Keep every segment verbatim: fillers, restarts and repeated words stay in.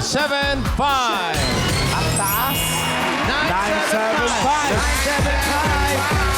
seven five. Ang taas. nine seven five. nine seven five.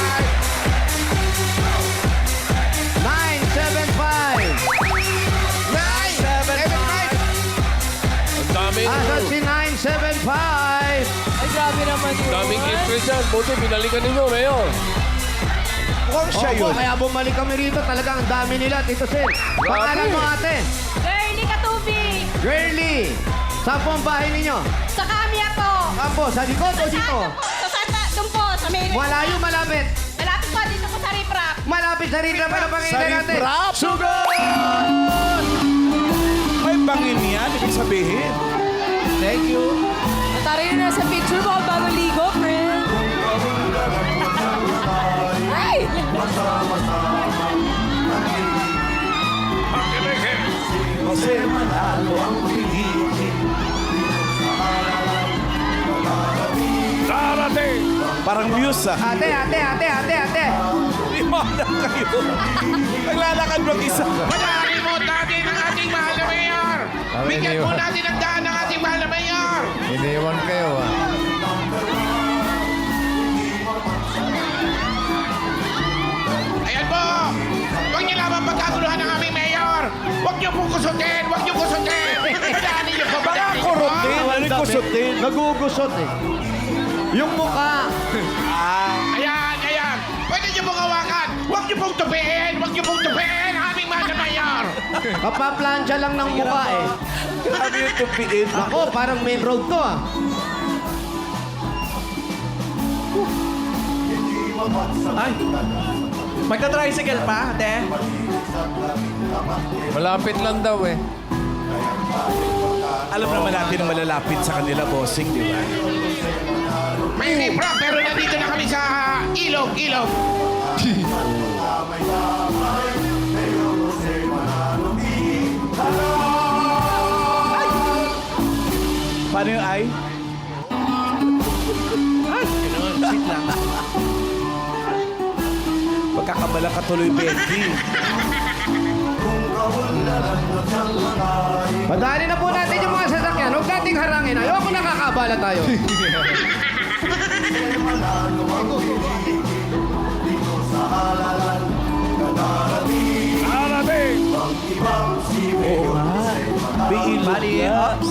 nine seven five. nine seven five. Ang dami. Asan si nine seven five? Ay, grabe naman yun. Daming interest yan. Buti, binalikan ninyo, Mayor. Mukhang siya yun. Kaya bumalik kami rito, talagang ang dami nila, Tito Sen. Pangalan mo ate? Girlie Katubig! Girlie. Saan po ang bahay ninyo? Sa Kamya po! Saan po? Sa likod o dito? Saan po? Sa Santa, doon po, sa may... Malayo, malapit. Malapit po, dito po sa Riprap. Malapit sa rin naman ang pangingin natin. Sugar! May bangin yan, ibig sabihin. Thank you. Natari na sa picture mo, bago ligo, friend. Ay! Kasi manalo ang piliin. Darating! Parang muse ah. Ate, ate, ate, ate, ate. Limana kayo. Naglalakad mag-isa. Panarin mo natin ang ating mahal na mayor! Bigyan mo natin ang daan ng ating mahal na mayor! Iniwan kayo, ah. Ayan po! Huwag niyo lamang pagkaguluhan ng aming mayor! Huwag niyo pong kusutin! Huwag niyo kusutin! Padaanin niyo po! Baka Padaanin niyo po! kurutin. Ano yung kusutin? Nagugusot eh. Yung mukha. Ayan! Ayan! Pwede niyo pong hawakan! Huwag niyo pong tupiin! Huwag niyo pong tupiin ang aming mahal na mayor! Kapaplansya lang ng mukha eh. Grabe yung tupiin. Ako, parang main road to ah. Ay, magta-tricycle pa, ate? Malapit lang daw, eh. Alam naman natin ang malalapit sa kanila, bossing, di ba? May riprap pero nandito na kami sa ilog! Ilog! Paano yung ay? Sit lang. Pagkakamala ka tuloy, Becky. Padali na po natin yung mga sasakyan. Huwag nating harangin. Ayoko nakakabala tayo. Darating! Oo nga. May ilog Bali, na. ups.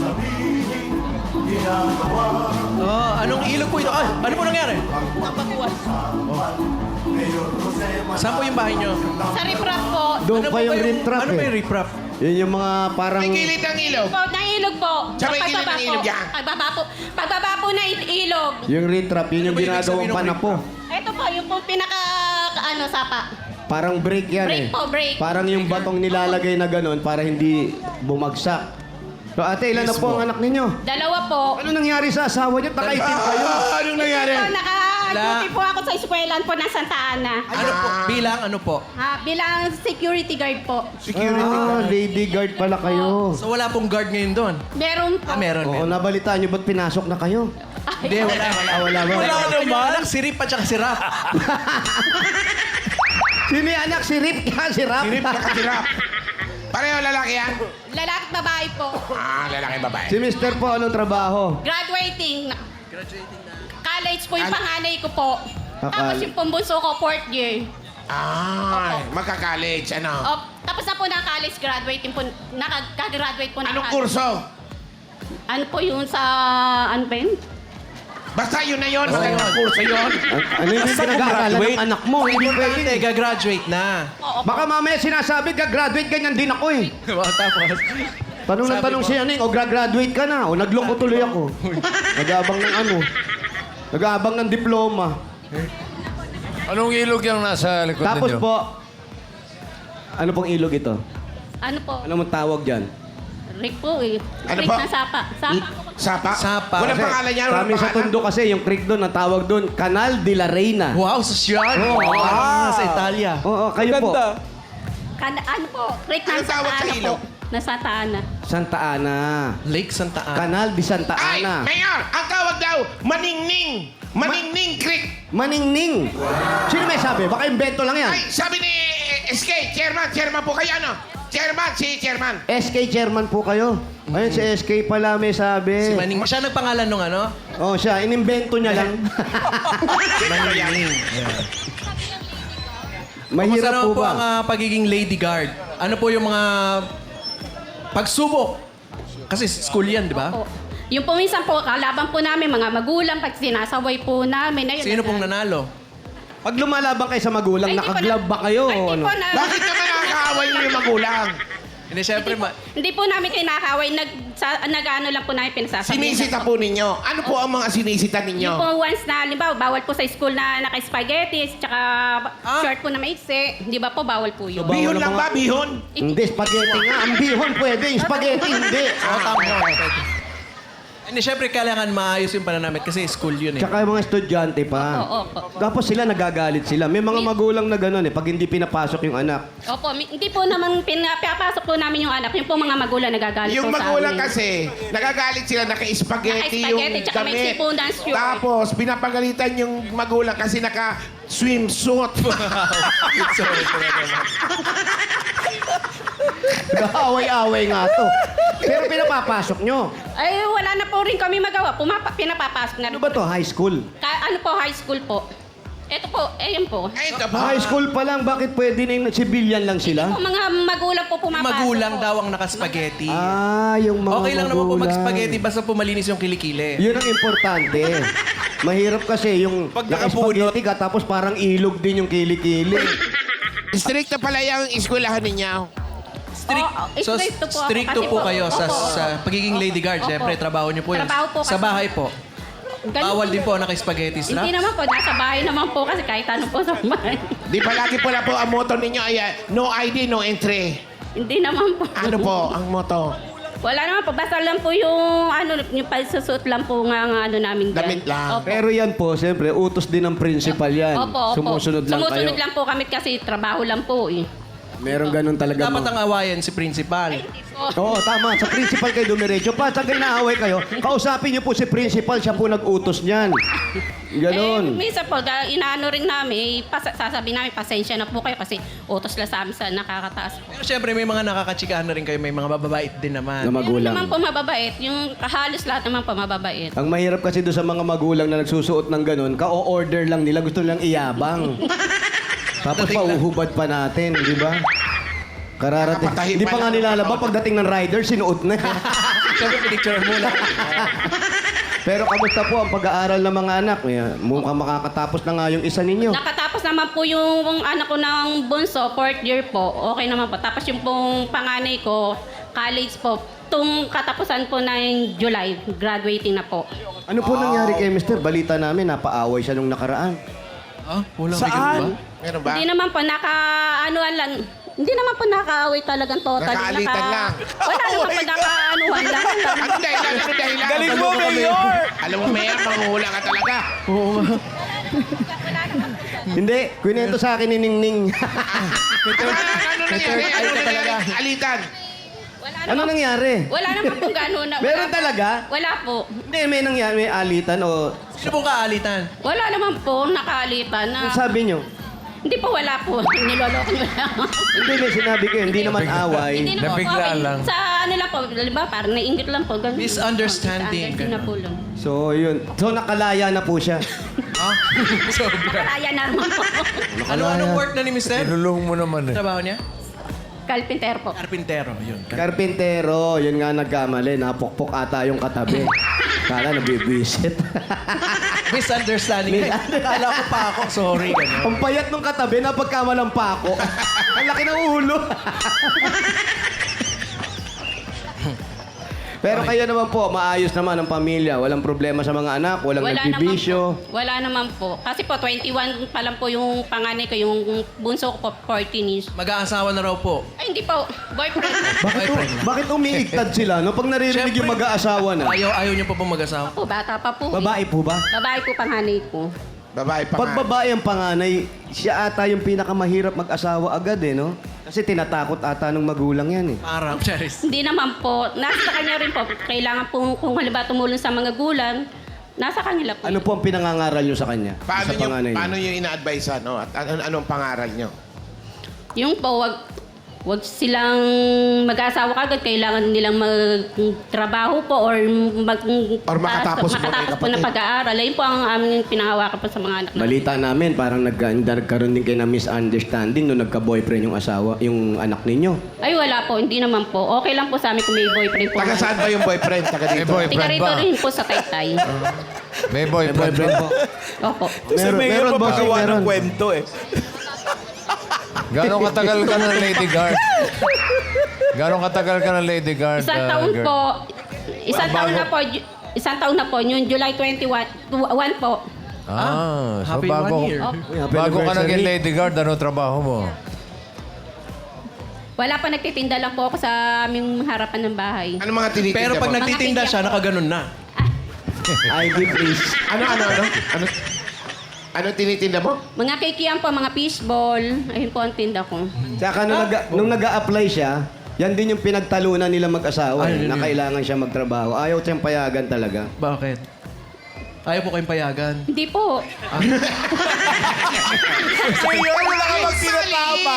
Oh, anong ilog po ito? Ay, ano po nangyari? Napakuwas. Saan po yung bahay nyo? Sa Riprap po. Doon Ano pa po yung ba rim trap Ano ba yung eh. riprap? Yun yung mga parang... May gilid ng ilog! Po, ng ilog po. Sa may gilid Pagbaba ng po. ilog yan. Pagbaba po. Pagbaba po na il- ilog. Yung rim trap, yun yung Ano ba yung ginagawang ibig sabihin ng panapo. Ito po, yung po pinaka, ano, sapa. Parang break yan Break eh. po, break. Parang yung batong nilalagay na ganun para hindi bumagsak. So ate, ilan na po ang anak ninyo? Dalawa po. Ano nangyari sa asawa niyo? Takaitim kayo. Anong nangyari? Ito, naka-duty po ako sa eskwelahan po ng Santa Ana. Ano po? Bilang ano po? Ha, bilang security guard po. Ah, lady guard pala kayo. So wala pong guard ngayon doon? Meron po. Ah, meron, Oo, meron. nabalitaan niyo ba't pinasok na kayo? Ay, Hindi, wala, wala. Ah, wala ba? Wala naman. Anak, si Rip at saka si Rap. Sino yung anak? Si Rip ka, si Rap? Sirip na kasirap! Pareho lalaki yan? Lalaki at babae po. Ah, lalaki babae. Si Mister po, anong trabaho? Graduating. Graduating na. College po yung Ano? panganay ko po. Akal- Tapos yung pumbunso ko, fourth year. Ah, magka-college, ano? O, tapos na po na college, graduating po, nakag-graduate po na Anong college. kurso? Ano po yun sa, ano ba yun? Basta yun na yun, magandang kurso yun. An- ano yung Basta pinag-aaralan graduate. ng anak mo? Hindi Importante, pwede. gagraduate na. Oo. Baka mamaya sinasabi, gagraduate ganyan din ako eh. Tapos, Tanong ng Sabi tanong mo? siya, ano o graduate ka na? O nagloko tuloy ako. Nag-aabang ng ano? Nag-aabang ng diploma. Anong ilog yung nasa likod Tapos ninyo? po, ano pong ilog ito? Ano po? Ano mong tawag dyan? Rick po eh. Ano Rick po? na sapa. Sapa. Sapa? Sapa. Walang Kasi pangalan yan, Sa walang amin sa pangalan. Tondo kasi, yung creek doon, ang tawag doon, Canal de la Reina. wow, sosyal. Oo. Ah, sa Italia. Oo, kayo po. Ganda. Kan ano po? Rick Anong na tawag sa Ana ilog? po. Na Santa Ana. Santa Ana. Lake Santa Ana. Canal de Santa Ay, Ana. Mayor, ang tawag daw, Maningning. Maningning Creek. Maningning. Sino may sabi? Baka invento lang yan. Ay, sabi ni S K, chairman, chairman po kayo, ano? Chairman, si Chairman. S K chairman po kayo. Ayun, si S K pala may sabi. Si Maning. Siya nagpangalan nung ano? Oh, siya. Inimbento niya lang. Maning. Mahirap Kumusta po naman po ba? ang ah, pagiging lady guard? Ano po yung mga pagsubok? Kasi school yan, di ba? Po. Yung po minsan po, kalaban po namin, mga magulang, pag sinasaway po namin. Ayun, Sino pong nanalo? Pag lumalaban kayo sa magulang, Ay, hindi ko nakaglove na- ba kayo? Ay, o hindi ano? po na, Bakit naman nakakaaway niyo yung magulang? Hindi, syempre, ma- hindi po namin kinakaway. Nag, sa, nag-ano lang po namin pinasasabihan. Sinisita po ninyo. Ano po ang mga sinisita ninyo? Yung po once na, halimbawa, bawal po sa school na naka-spaghetti, tsaka Ah. short po na maiksi. Di ba po, bawal po yun. So, Bihon Bawal lang ang ba? mga- Bihon? Hindi, spaghetti nga. Ang bihon pwede, yung spaghetti hindi. Oo, tama. Pwede. Hindi, syempre, kailangan maayos yung pananamit kasi school yun eh. Tsaka yung mga estudyante pa. Oo, opo. Tapos sila nagagalit sila. May mga magulang na gano'n eh, pag hindi pinapasok yung anak. Opo, mi- hindi po naman pinapapasok po namin yung anak. Yung po mga magulang nagagalit Yung po sa magulang amin. kasi, nagagalit sila, naka-spaghetti yung Naka-spaghetti, tsaka may damit. sipon na short. Tapos, pinapagalitan yung magulang kasi naka-swimsuit. Sorry, sorry naman. Nag-aaway-away nga to. Pero pinapapasok nyo. Ay, wala na po rin kami magawa. Pumapa, pinapapasok na Ano rin. ba to? High school? Ka- ano po, high school po. Ito po, ayun po. Ay, ito ba? High school pa lang, bakit pwede na yung civilian lang sila? Po, mga magulang po pumapasok Magulang po. daw ang nakaspaghetti. Ah, yung mga Okay lang naman po magulang. mag-spaghetti basta pumalinis yung kilikili. Yun ang importante. Mahirap kasi yung Pag naka-spaghetti ka tapos parang ilog din yung kilikili. Stricto pala yung eskwelahan ninyo. Strict, Oo, so, stricto po ako stricto kasi po po- kayo sa, Opo. sa pagiging lady guard. Opo. Siyempre, trabaho niyo po yun. Trabaho po Sa kasi- bahay po. Ganun Bawal po. din po naka-spaghetti strap. Hindi naman po, nasa bahay naman po kasi kahit ano po sa bahay. Di palagi pala po ang motto ninyo ay ah, no I D, no entry. Hindi naman po. Ano po ang motto? Wala naman po, basta lang po yung ano, yung pagsusuot lang po nga ang ano namin dyan. Damit lang. Opo. Pero yan po, siyempre, utos din ng principal yan. Opo, opo. Sumusunod lang Sumusunod kayo. lang po kami kasi trabaho lang po eh. Meron ganun talaga. Dapat mga- ang awayan si principal. Oo, tama. Sa principal kayo dumiretso. Pa, sa ginaaway kayo, kausapin niyo po si principal. Siya po nag-utos niyan. Eh, Ganon. minsan po, ga- inaano rin namin, eh, pas- sasabihin namin, pasensya na po kayo kasi utos lang sa amin sa nakakataas po. Pero siyempre, may mga nakakatsikahan na rin kayo. May mga bababait din naman. Na Meron magulang. naman po mababait, yung halos lahat naman po mababait. Ang mahirap kasi doon sa mga magulang na nagsusuot ng ganun, ka-o-order lang nila. Gusto nilang iyabang. Tapos pauhubad pa natin, di ba? Kararating. Nakapatahi Hindi pa pa nga lang. nilalaba. Pagdating ng rider, sinuot na. Siyempre, pinicture muna. Pero kamusta po ang pag-aaral ng mga anak? May- Mukhang makakatapos na nga yung isa ninyo. Nakatapos naman po yung anak ko ng bunso, fourth year po. Okay naman po. Tapos yung pong panganay ko, college po. Tung katapusan po ng July, graduating na po. Ano po nangyari kay Mister? Balita namin, napaaway siya nung nakaraan. Ah, walang Saan? bigat ba? Meron ba? Hindi naman po, naka, anuan lang. Hindi naman po nakaaway talagang total. Nakaalitan lang. Wala naman po, naka-anuan lang. Ano dahilan? Ano dahilan? Galing mo, Mayor! Alam mo, Mayor, manguhula ka talaga. Hindi, kwento sa akin ni Ningning. Ano, ano nangyari? Ano nangyari? Alitan. Wala ano naman, nangyari? wala naman po gano'n. na- Meron wala- talaga? Wala po. Hindi, may nangyari, may alitan o... Sino pong kaalitan? Wala naman po, nakaalitan na. Ano sabi nyo? Hindi po, wala po. Niloloko nyo lang. Hindi, may sinabi ko, hindi naman away. Hindi naman po Nabigla away. lang. Sa ano lang po, diba, parang nainggit lang po. Ganun. Misunderstanding, Misunderstanding na ganun. po lang. So, yun. So, nakalaya na po siya. Ah, sobra. Kaya naman po. Ano, anong work na ni Mister? Inulong mo naman eh. Trabaho niya? Kalpinter po. Carpintero, yun. Karpintero, yun nga nagkamali. Napokpok ata yung katabi. Kala nabibwisit. Misunderstanding. Kala ko pa ako, sorry. Ganun. Ang payat nung katabi, napagkamalang pa ako. Ang laki ng ulo. Pero kayo naman po, maayos naman ang pamilya. Walang problema sa mga anak, walang Wala naman nagbibisyo. po. Wala naman po. Kasi po, twenty-one pa lang po yung panganay ko, yung bunso ko po, fourteen years. Mag-aasawa na raw po. Ay, hindi po. Boyfriend. Bakit, Boyfriend na. bakit umiigtad sila? No? Pag naririnig yung Siyempre. mag-aasawa na. Ayaw, ayaw niyo pa pong mag-asawa. po, bata pa po. eh. Babae po ba? Babae po panganay ko. Babae pa Pag nga. babae ang panganay, siya ata yung pinakamahirap mag-asawa agad eh, no? Kasi tinatakot ata ng magulang yan eh. Parang, Charis. Hindi naman po. Nasa kanya rin po. Kailangan po, kung halimbawa tumulong sa mga gulang, nasa kanila po. Ano po ang pinangangaral nyo sa kanya? Paano sa nyo, panganay paano niyo? nyo ina-advise, ano? At ano, anong pangaral nyo? Yung po, wag, Huwag silang mag-asawa kagad. Kailangan nilang magtrabaho po or mag Or makatapos po, makatapos po kapatid. ng pag-aaral. Ayun po ang aming pinangawakan po sa mga anak namin. Balita namin, parang nagka, nagkaroon din kayo ng misunderstanding nung nagka-boyfriend yung asawa, yung anak ninyo. Ay, wala po. Hindi naman po. Okay lang po sa amin kung may boyfriend po. Taga saan ba yung boyfriend? Taga May dito. Tiga boyfriend rito ba? rin po sa Taytay. May boyfriend, Boyfriend ba? po. Opo. Si Meron- Mayor meron, pa bossing, pagawa meron. ng kwento eh. Gano'ng katagal ka ng Lady Guard? Gano'ng katagal ka ng Lady Guard? Isang ah, taon girl? po. Isang Bago- taon na po. Ju- Isang taon na po. Yung July twenty-one one po. Ah, so happy bago, one year. Oh, Happy bago ka anniversary. naging Lady Guard, ano trabaho mo? wala pa, nagtitinda lang po ako sa aming harapan ng bahay. Ano mga tinitinda Pero pag mo? nagtitinda siya, nakaganon na. I D, please. Ano, ano, ano? Ano? Ano tinitinda mo? Mga kikiam po, mga fishball. Ayun po ang tinda ko. Tsaka nung, nag, nung nag-a-apply siya, yan din yung pinagtalunan nila mag-asawa, Ay, eh, yun na yun. kailangan siya magtrabaho. Ayaw siyang payagan talaga. Bakit? Ayaw po kayong payagan. Hindi po. Mayor, wala ka magtinatama.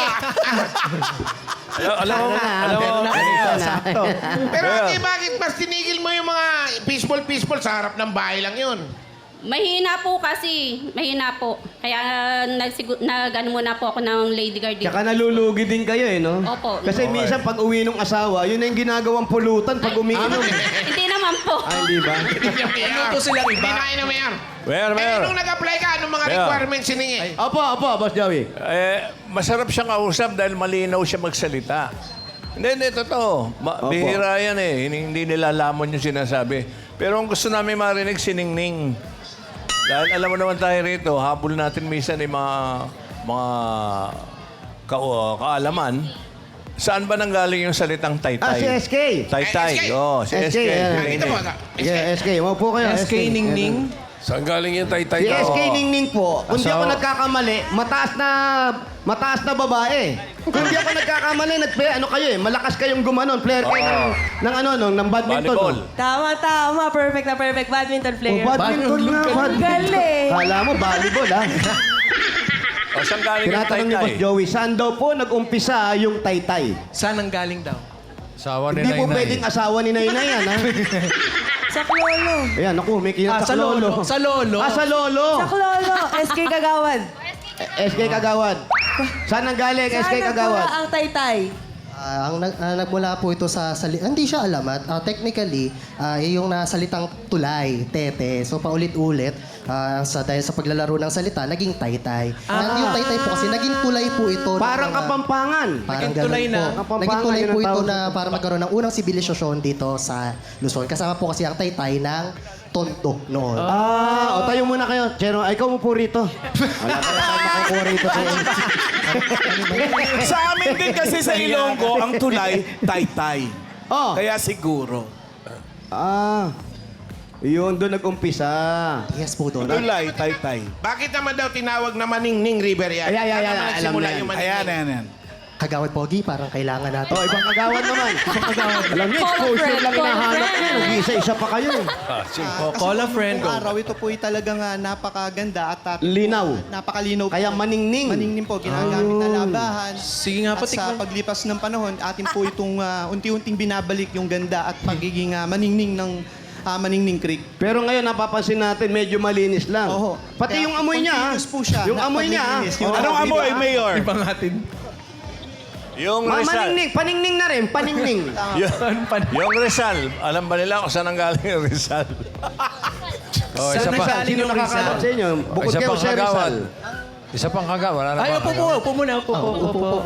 Alam mo, alam mo, sakto. Pero ate, bakit mas tinigil mo yung mga peaceful-peaceful sa harap ng bahay lang yun? Mahina po kasi. Mahina po. Kaya nagsigu- nag-ano muna po ako ng lady guard dito. Tsaka nalulugi din kayo eh, no? Opo. Kasi minsan pag uwi ng asawa, yun na yung ginagawang pulutan pag umiinom. Hindi naman po. Ay, di ba? Hindi niya mayor. Luto silang iba. Hindi na kayo na mayor. Mayor, Eh, Mayor. nung nag-apply ka, anong mga Mayor. requirements siningi? Opo, opo, Boss Joey. Eh, masarap siyang kausap dahil malinaw siya magsalita. Hindi, hindi, totoo. Ma- Opo. bihira yan eh. Hindi, hindi nila lamon yung sinasabi. Pero ang gusto namin marinig, siningning. Dahil alam mo naman tayo rito, habol natin minsan yung mga, mga ka kaalaman. Saan ba nanggaling yung salitang taytay? Ah, si S K. Taytay, Eh, S K. oo. si S K. ayan. Nakita mo, ka- Yeah, S K. Maupo kayo. S K Ningning. Saan galing yung taytay Si ko? S K Ningning po, kung di ako Asawa. nagkakamali, mataas na mataas na babae. Kung di ako nagkakamali, nagpe, ano kayo eh, malakas kayong gumanon, player kayo ng, ng ano, no, ng badminton. Volleyball. no? Tama, tama. Perfect na perfect. Badminton Oh, player. badminton na, badminton. Galing. Kala mo, volleyball ha. O, saan galing yung Tinatanong ni taytay? Boss Joey, saan daw po nag-umpisa yung taytay? Saan ang galing daw? Asawa ni Hindi po Nainay. pwedeng asawa ni Nainay yan, ha? Sa Klolo. Ayan, ako, may Ah, kinatak sa lolo. lolo. Sa lolo. Ah, sa lolo. Sa Klolo. S K Kagawad. S K Kagawad. Saan ang galing, S K Saan Kagawad? nagmula ang taytay? Ah, ang nag, ah, nagmula po ito sa sali hindi siya alamat. Ah, technically, ah, yung nasalitang tulay, tete. So paulit-ulit ah, sa dahil sa paglalaro ng salita, naging taytay. Ah. Yung taytay po kasi naging tulay po ito. ng Parang mga- kapampangan. Parang Naging ganun tulay na. po. Kapampangan, Naging tulay yun po ang ito tawag. na para magkaroon ng unang sibilisasyon dito sa Luzon. Kasama po kasi ang taytay ng Tondo noon. Ah, o tayo muna kayo. Chero, ay, ikaw mo po rito. Wala pa tayo makukuha rito. Sa amin din kasi sa Ilonggo, ang tulay, taytay. Oh, Kaya siguro. ah. Yun, doon nag-umpisa. Yes po doon. Tulay, taytay. Bakit naman daw tinawag na Maningning River yan? Ay, ay, ay, Saan ay, naman alam nagsimula na yan. yung Maningning? Ayan, ayan, ayan. Kagawad Pogi, parang kailangan natin. Oh, ibang kagawad naman. Ibang kagawad. Alam niyo, Call a exposure friend, lang call a hinahanap friend. niyo. Nag-isa-isa pa kayo. Oh, call a friend. Kung Go. araw, ito po ay talagang ah, napakaganda at ah, Linaw. napakalinaw Kaya po. maningning. Maningning po, ginagamit na labahan. Sige nga po, At sa tikman. paglipas ng panahon, atin po itong ah, unti-unting binabalik yung ganda at pagiging ah, maningning ng ah, Maningning Creek. Pero ngayon, napapansin natin, medyo malinis lang. Oho. Pati Kaya yung amoy niya. ah. continuous po siya Yung na amoy niya. ah. paglilinis. Yung Oh, Anong di amoy, ba? Mayor? Ibang atin. Yung Ma- Rizal. maningning. Paningning na rin. Paningning. Yung, yung Rizal. Alam ba nila kung saan ang galing yung Rizal? Oh, isa Saan pa. nanggaling Sino yung nakakalat sa inyo? Bukod Isa kayo, pang Sir kagawad. Rizal. Isa pang kagawad. Wala na Ay, ba upo po. kagawad? Upo muna. Upo po. Upo po.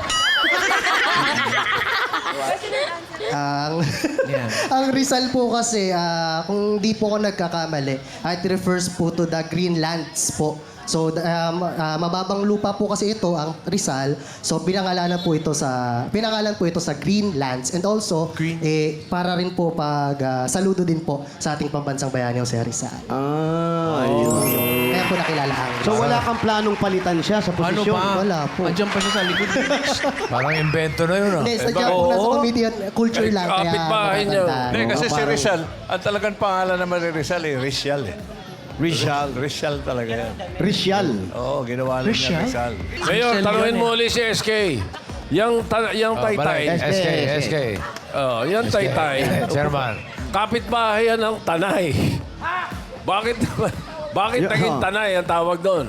Ang Yan. ang Rizal po kasi, ah, kung di po ako nagkakamali, it refers po to the Greenlands po. So, um, ah, mababang lupa po kasi ito, ang Rizal. So, pinangalanan po ito sa, pinangalan po ito sa Greenlands. And also, Green. eh, para rin po pag, ah, saludo din po sa ating pambansang bayani o sa Rizal. Ah, ayun. Kaya po nakilala ang So wala kang planong palitan siya sa Ano posisyon? pa? Wala po. Andiyan pa siya sa likod. Parang invento na yun, ah. Hindi, sadya po nasa comedian culture lang. Kaya kapitbahay niyo. natatandaan. Hindi, kasi si parang- Rizal, ang talagang pangalan naman ni Rizal eh, Rizal eh. Rizal. Rizal talaga yan. Risyal. Oo, ginawa lang niya Rizal. Mayor, Michelle tanungin yun, mo ulit si S K. Yang, ta- yang Oh, taytay. balik. S K, S K. Oh, yang taytay. Chairman. Kapitbahay yan ng tanay. Bakit bakit Yeah. naging tanay ang tawag doon?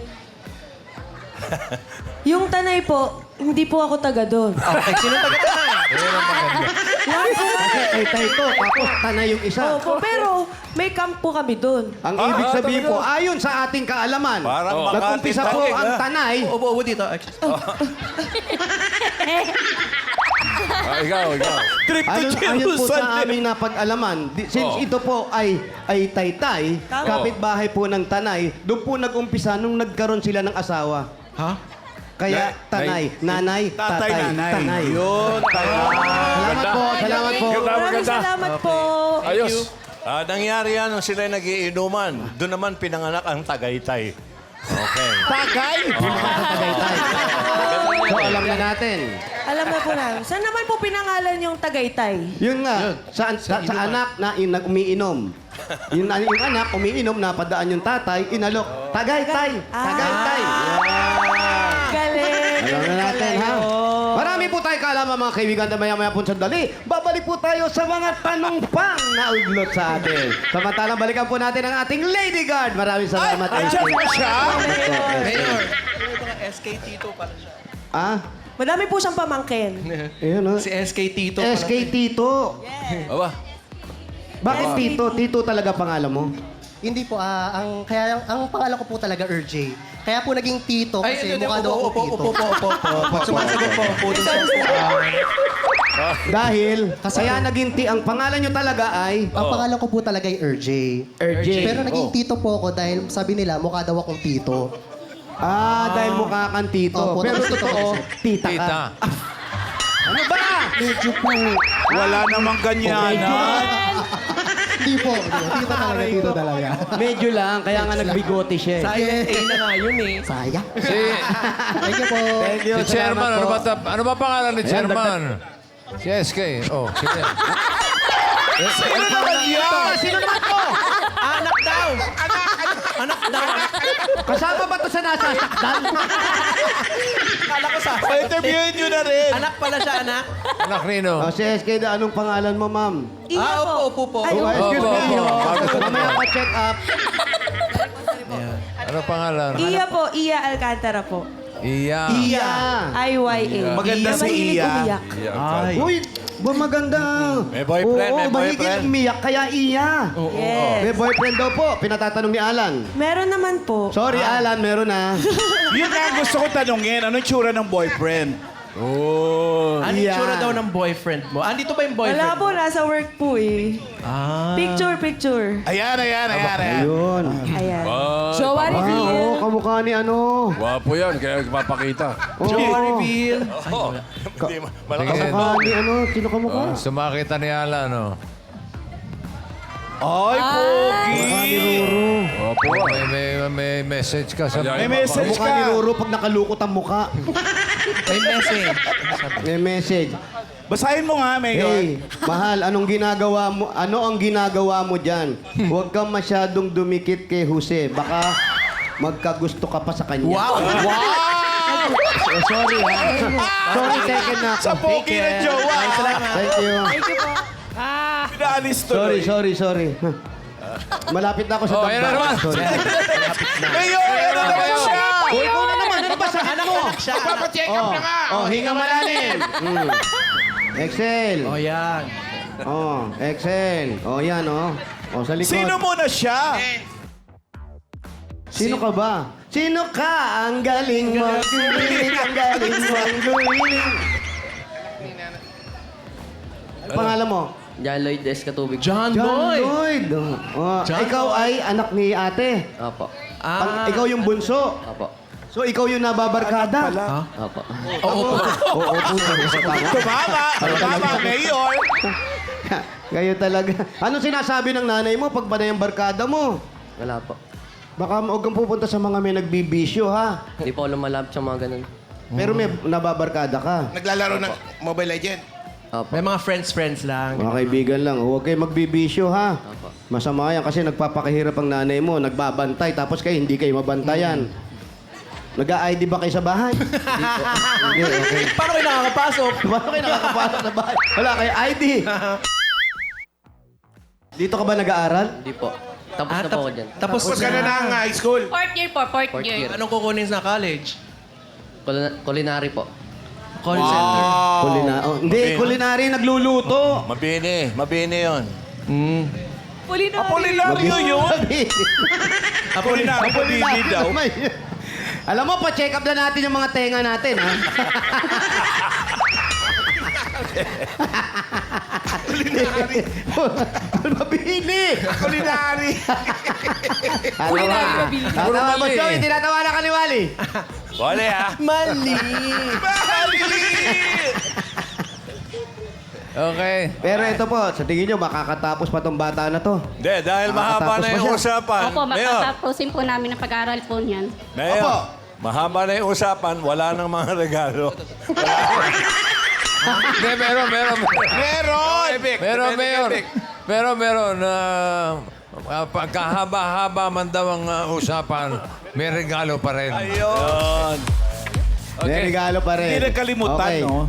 Yung tanay po, hindi po ako taga doon. Okay, sino taga-tanay? Yan po. Kasi tay-tay to, tapos tanay yung isa. Opo, pero may camp po kami doon. Ang Ah, ibig ah, sabihin talaga? po, ayon sa ating kaalaman, Parang Oh. nag-umpisa po Makati, ang ah. tanay. Upo, upo dito. Ah, ikaw, ikaw. Trip to Ayon, ayon po Jerusalem. sa aming napag-alaman, di- since Oh. ito po ay ay taytay, Tama. kapitbahay po ng tanay, doon po nag-umpisa nung nagkaroon sila ng asawa. Ha? Kaya Na- tanay, nanay, tatay, Tatay, nanay. tanay. Yun, tayo. Salamat po, salamat po. Ganda, Maraming maganda. salamat po. Ayos. Ah, nangyari yan nung sila nagiinuman. Doon naman pinanganak ang Tagaytay. Okay. Tagay! Tagaytay. So alam na natin. Alam na po namin. Saan naman po pinangalan yung Tagaytay? Yun nga, sa, sa, sa anak na in, umiinom. Yung, yung anak, umiinom, napadaan yung tatay, inalok. Tagaytay! Tagaytay! Galing. Alam na natin, ha? Marami po tayo kaalaman, mga kaibigan, na maya-maya po sandali. Babalik po tayo sa mga tanong pang na uglot sa atin. Samantalang balikan po natin ang ating Lady Guard. Maraming salamat. Andiyan Lady. po siya? Mayor. S K Tito pala siya. Ah? Madami po siyang pamangkin. Ayun, ha? Si S K Tito pala. S K Tito. Aba. Bakit Tito? Tito talaga pangalan mo? Hindi po, ah, ang, kaya ang, ang pangalan ko po talaga R J. Kaya po naging Tito Ay, kasi hindi, mukha upo, daw upo, akong upo, Tito. upo, upo, upo. Sumasagot po po dun sa... Dahil, kaya naging ti, ang pangalan nyo talaga ay Ang pangalan ko po talaga ay R J. R J. Pero naging Oh. Tito po ako dahil sabi nila mukha daw akong Tito. Ah, dahil mukha kang Tito. Opo, Pero tapos totoo, tita ka. Tita. Ano ba? Medyo po. Wala namang ganyan, ha? Hindi po. Tito talaga, Tito talaga. Medyo lang, kaya nga nagbigote siya. eh. Sayang A na nga yun eh. Sayang. Si, Thank you po. Thank you, si Chairman, salamat ano po. ba, ta- ano ba pangalan ni Chairman? Si S K. Oh, sige. Sino naman yan? Sino naman to? Anak daw! Anak daw! Kasama ba to sa nasasaktan? Kala ko sa... Pa-interviewin nyo na rin. Anak pala siya, anak. Anak Rino. Oh, si S K, na anong pangalan mo, ma'am? Iya Ah, po. upo, upo po. Ay, Oh, opo. excuse Opo, me. opo. Mamaya pa check up. Ano pangalan? Iya po. Iya Alcantara po. Iya. Iya. I Y A. Maganda si Mahilig Iya. umiyak. Ay. Uy, ba maganda. May boyfriend, Oo, may mahigit boyfriend. umiyak, kaya iya. Yes. May boyfriend daw po, pinatatanong ni Alan. Meron naman po. Sorry, Alan, meron na. Yun nga ang gusto ko tanungin. Anong tsura ng boyfriend? Oh. Ano yung Yeah. tsura daw ng boyfriend mo? Andito ba yung boyfriend Wala po. mo? Nasa work po eh. Ah. Picture, picture. Ayan, ayan, ayan, ayan. Ayun. Ayan. Ay, Jowa Ah, oo, kamukha ni ano. Gwapo yan, kaya papakita. Oo. Jowa reveal. Oh, hindi, ma- malakas Sige. ang Kamukha ni ano. Sino kamukha? Oh, sumakita ni Alan, oh. Ay, pogi. Kamukha ni Ruru. Opo, may, may, may message ka sa... May May message Kamukha ni ka. Ruru pag nakalukot ang mukha. May message. May message. Basahin mo nga, Mayor. Hey, mahal, anong ginagawa mo? Ano ang ginagawa mo diyan? Huwag kang masyadong dumikit kay Jose. Baka magkagusto ka pa sa kanya. Wow! Oh, sorry, ha? Sorry, taken na ako. Sa pogi ng jowa. Thank you. Thank you po. Pinaalis Sorry, tuloy. sorry, sorry. Malapit na ako sa Oh, ayan na naman. Sorry. Mayor, ano naman siya? O, ikaw na naman. Ano ba sa anak mo? Papacheck up Oh, na nga. oh, hinga malalim. Mm. Excel. Oh, yan. Oh, Excel. Oh, yan, oh. Oh, sa likod. Sino muna siya? Sino ka ba? Sino ka? Ang galing mo. Gumiling, ang galing mo. Ang gumiling. Ano pangalan mo? John Lloyd S. Katubig. John, John Boy! Lloyd. Oh, John ikaw ay anak ni ate. Opo. Ah. Pang- ikaw yung bunso. Opo. So, ikaw yung nababarkada. Opo. Oo. Oo, po. Tumama. Tumama, Mayor. Kayo talaga. Ano sinasabi ng nanay mo pag banay ang barkada mo? Wala po. Baka huwag kang pupunta sa mga may nagbibisyo, ha? Hindi po ako lumalapit sa mga ganun. Pero may nababarkada ka. Naglalaro ng Mobile Legend. Opo. May mga friends-friends lang. Mga kaibigan lang, huwag kayo magbibisyo, ha? Opo. Masama yan kasi nagpapakahirap ang nanay mo, nagbabantay, tapos kayo hindi kayo mabantayan. Nag-I D ba kayo sa bahay? Hindi, okay. Paano kayo nakakapasok? Paano kayo nakakapasok sa bahay? Wala kayo I D. Dito ka ba nag-aaral? Hindi po. Tapos Ah, na po tap- ako dyan. Tapos Tapos ka na ng high school. Fourth year po, fourth, Fourth year. year. Anong kukunin sa college? Culina- culinary po. Call center. Kulina oh, hindi, kulinary nagluluto. Mabini. Mabini yun. Apolinaryo yun. Apolinaryo mabini daw. Alam mo, pa-check up na natin yung mga tenga natin, ha? Kulinary. Mabini! Kulinary. Tatawa. Tatawa mo, Joey. Tinatawa na ka ni Wally. Wala ah. Mali! Okay. Pero ito po, sa tingin nyo, makakatapos pa tong bata na to. Hindi, dahil mahaba Makakatapos na pa yung siya. usapan. Opo, Mayor, matatapusin po namin ang pag-aaral po niyan. Mayor, Opo. mahaba na yung usapan, wala nang mga regalo. Hindi, meron, meron. Meron! Pero meron. Pero meron. Uh, pagkahaba-haba man daw ang uh, usapan, may regalo pa rin. Ayun. May regalo pa rin. Hindi nagkalimutan, Okay. no?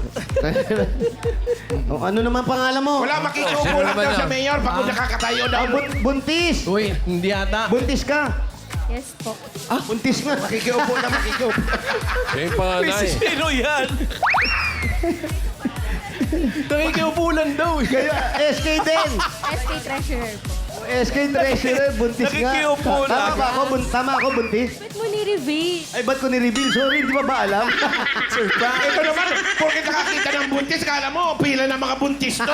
O, ano naman pangalan mo? Wala makikiupo Sino lang naman daw yan? sa mayor pag nakakatayo daw. Ah, bun- buntis! Uy, hindi ata. Buntis ka! Yes po. Ah, buntis nga. Makikiupo na makikiupo. Yung panganay. Sino yan? Nakikiupulan daw eh. Kaya S K din! S K Treasurer po. S K Treasurer, buntis nga. Nakikiupo Tama lang. ba ako? Bun- tama ako, buntis? Ba't mo ni-reveal? Ay, ba't ko ni-reveal? Sorry, hindi ba ba alam? Ito naman, porque nakakita ng buntis, kala mo, pila ng mga buntis to.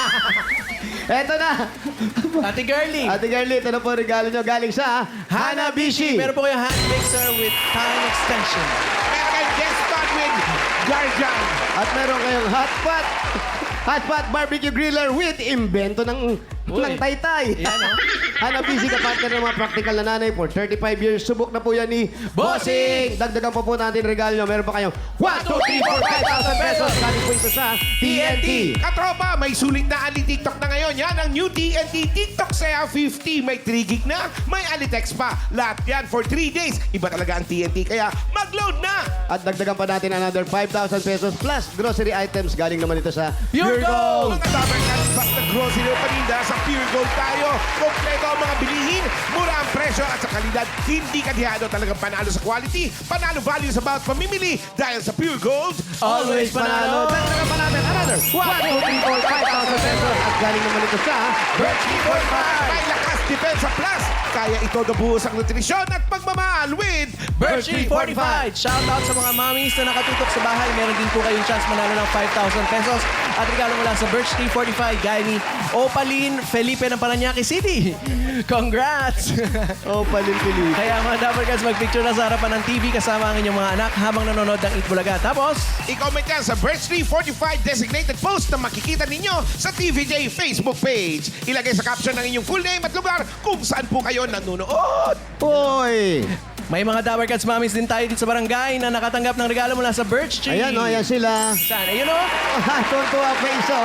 Eto na. Ate Girlie. Ate Garly, ito na po ang regalo nyo galing sa Hanabishi. Meron po kayong hand mixer with time extension. Meron kayong guest spot with Guardian. At meron kayong hotpot. Hotpot barbecue griller with invento ng ng taytay. Yan, oh. Hanabishi ka partner ng mga practical na nanay for thirty-five years. Subok na po yan ni Bossing. Dagdagan pa po natin regalo nyo. Meron pa kayong one, two, three, four, five thousand pesos. Galing po ito sa T N T. Katropa, may sulit na Ali TikTok na ngayon. Yan ang new T N T TikTok Saya fifty. May three gig na, may Alitex pa. Lahat yan for three days. Iba talaga ang T N T, kaya mag-load na! At dagdagan pa natin another five thousand pesos plus grocery items. Galing naman ito sa Pure Gold! Mga tabernas, basta grocery o paninda, sa Pure Gold tayo. Kompleto ang mga bilihin, mura ang presyo at sa kalidad. Hindi kadihado, talagang panalo sa quality. Panalo value sa bawat pamimili. Dahil sa Pure Gold, Always panalo. Dagdagan pa natin another one, two, three, four, five thousand pesos. At galing naman ito sa Birch forty-five. May lakas, depensa plus. Kaya ito nabuhos ang nutrisyon at pagmamahal with Birch Tree forty-five. Shout out sa mga mommies na nakatutok sa bahay. Meron din po kayong chance manalo ng five thousand pesos. At regalo mula sa Birch Tree forty-five, gaya ni Opaline Felipe ng Paranaque City. Congrats! Opaline Felipe. Kaya mga Dabarkats, mag-picture na sa harapan ng T V kasama ang inyong mga anak habang nanonood ng Eat Bulaga. Tapos, I-comment yan sa Birch Tree forty-five designated post na makikita ninyo sa T V J Facebook page. Ilagay sa caption ng inyong full name at lugar kung saan po kayo nanonood. Hoy! may mga Dabarkats mommies din tayo dito sa barangay na nakatanggap ng regalo mula sa Birch Tree. Ayan o, ayan sila. Saan? Ayun o. Tuntua pa isa.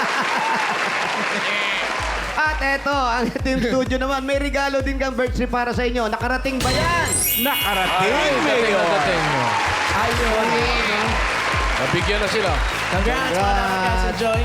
At eto, ang Team Studio naman, may regalo din kang Birch Tree para sa inyo. Nakarating ba yan? Nakarating, Mayor. Ayun. Nabigyan na sila. Congrats, mga Dabarkats sa Joy.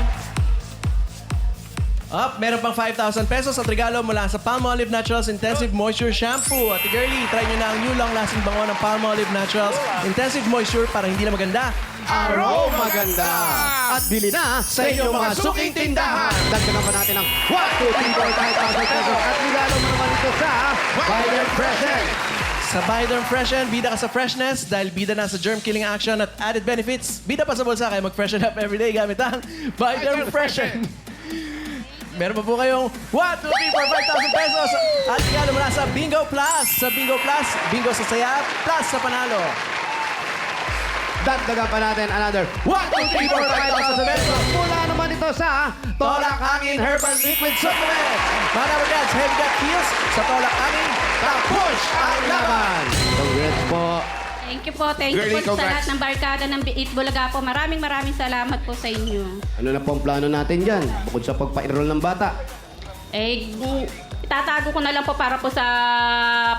Up, meron pang five thousand pesos at regalo mula sa Palmolive Naturals Intensive Moisture Shampoo. At girlie, try nyo na ang new long-lasting bango ng Palmolive Naturals Intensive Moisture para hindi na maganda. Aroma maganda. At bili na sa inyong mga suking tindahan. Dagdagan pa natin ang one, two, three, four, five thousand pesos. At regalo mo naman ito sa Biden Present. Sa Biden Freshen, bida ka sa freshness dahil bida na sa germ-killing action at added benefits. Bida pa sa bulsa kaya mag-freshen up everyday gamit ang Biden Freshen. Meron pa po kayong one, two, three, four, five thousand pesos. At regalo mula sa Bingo Plus. Sa Bingo Plus, bingo sa saya, plus sa panalo. Dagdagan pa natin another one, two, three, four, five thousand pesos. Mula naman ito sa Tolak Angin Herbal Liquid Supplement. Mga Dabarkats, heavy gut feels sa Tolak Angin. Push ang laban. Congrats po. Thank you po. Thank Girlie, you po sa congrats. lahat ng barkada ng Eat Bulaga po. Maraming maraming salamat po sa inyo. Ano na po ang plano natin dyan? Bukod sa pagpa-enroll ng bata. Eh, mm, itatago ko na lang po para po sa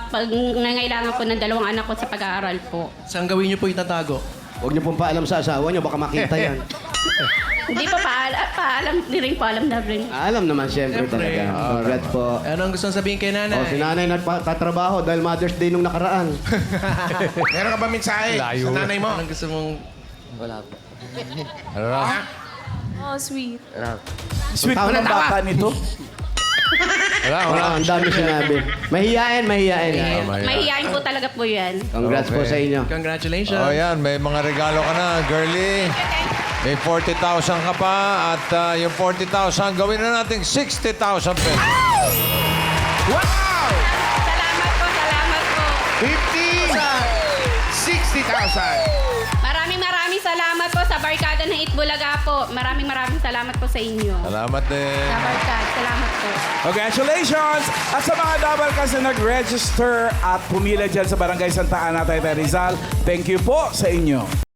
pag nangailangan po ng dalawang anak ko sa pag-aaral po. Saan gawin niyo po itatago? Huwag niyo pong paalam sa asawa niyo, baka makita yan. Hindi pa paala, paalam, di rin po alam na rin. Alam naman siyempre Siyempre. talaga. Congrats po. Ano ang gusto sabihin kay nanay? O, si nanay nagtatrabaho dahil Mother's Day nung nakaraan. Meron ka ba mensahe Layo. sa nanay mo? Anong gusto mong... Wala po. Ano na? Oh, sweet. Wala po. Sweet Tawa mo na ng tawa. bata nito. Wala, Oo, wala. ang dami sinabi. Mahiyain, mahiyain. Mahihayin po talaga po yan. Congrats po Okay. sa inyo. Congratulations. Oh, yan. May mga regalo ka na, girly. May forty thousand ka pa at ah, yung forty thousand gawin na natin sixty thousand pesos. Wow! Salamat po, salamat po. fifty! sixty thousand! Maraming maraming salamat po sa barkada ng Itbulaga po. Maraming maraming salamat po sa inyo. Salamat din. Sa barkada, salamat po. Congratulations! At sa mga double cast na nag-register at pumila dyan sa Barangay Santa Ana, Taytay Rizal, thank you po sa inyo.